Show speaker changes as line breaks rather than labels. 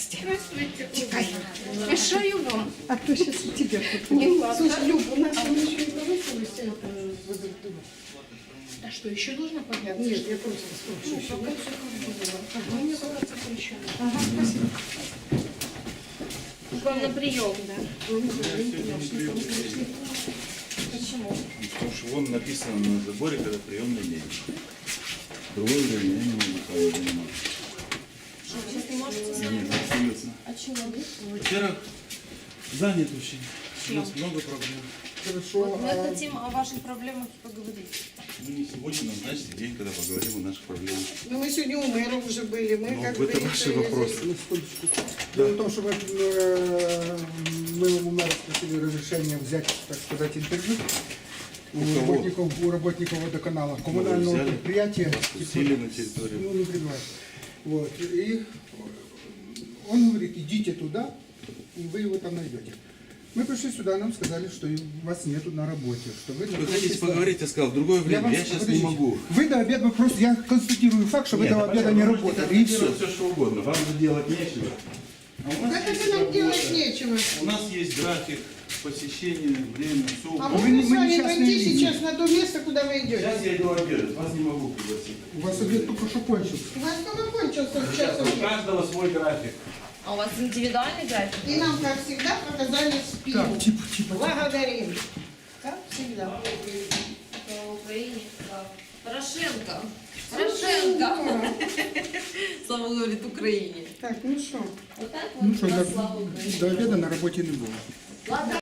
Здрасте.
Здравствуйте.
Чекай, мешаю вам.
А то сейчас тебе тут.
Не ладно.
Слушай, Люб, у нас там еще и повысилось
А что, еще должно подняться?
Нет, я просто спрашиваю.
Ну, пока все как было. Мне кажется, еще.
Ага, спасибо.
К вам на прием, да?
Почему? Потому что вон написано на заборе, когда приемный день. Другое время я не могу своим заниматься.
Что, вы сейчас не можете?
Нет, абсолютно.
А чего?
Во-первых, занят очень. У нас много проблем.
Хорошо.
Вот мы хотим о ваших проблемах и поговорить.
Ну не сегодня, назначьте день, когда поговорим о наших проблемах.
Ну, мы сегодня у мэра уже были. Мы
Ну,
как
это
бы
ваши
решили-
вопросы.
Дело в том, что мы у мэра спросили разрешение взять, так сказать, интервью у работников водоканала, коммунального
взяли?
предприятия.
Пустили на территорию.
Ну, не прибывает. Вот. И он говорит, идите туда, и вы его там найдете. Мы пришли сюда, нам сказали, что вас нету на работе. Что вы
Вы хотите поговорить, я сказал, в другое время, я сейчас не могу.
Вы до обеда, просто я констатирую факт, что вы до обеда не работали. И все.
Все что угодно, вам же делать нечего. А у нас
Так
есть
это нам
работа.
делать нечего.
У нас есть график посещения, время, все.
А
Вы
можно
не-
с
мы
вами
несчастные
пойти
люди.
сейчас на то место, куда вы идете?
Сейчас я иду обедать, вас не могу пригласить.
У вас обед только что кончился.
У вас только кончился в
Сейчас
час.
у каждого свой график.
А у вас индивидуальный график?
И нам, как всегда, показали спину.
Так, типа.
Благодарим. Как всегда.
В Украине? Да. Порошенко. Порошенко. Слава говорит Украине.
Так, ну что?
Вот так
Ну
вот
що,
у нас слава Украине.
до обіду на роботі не було.
Ладно.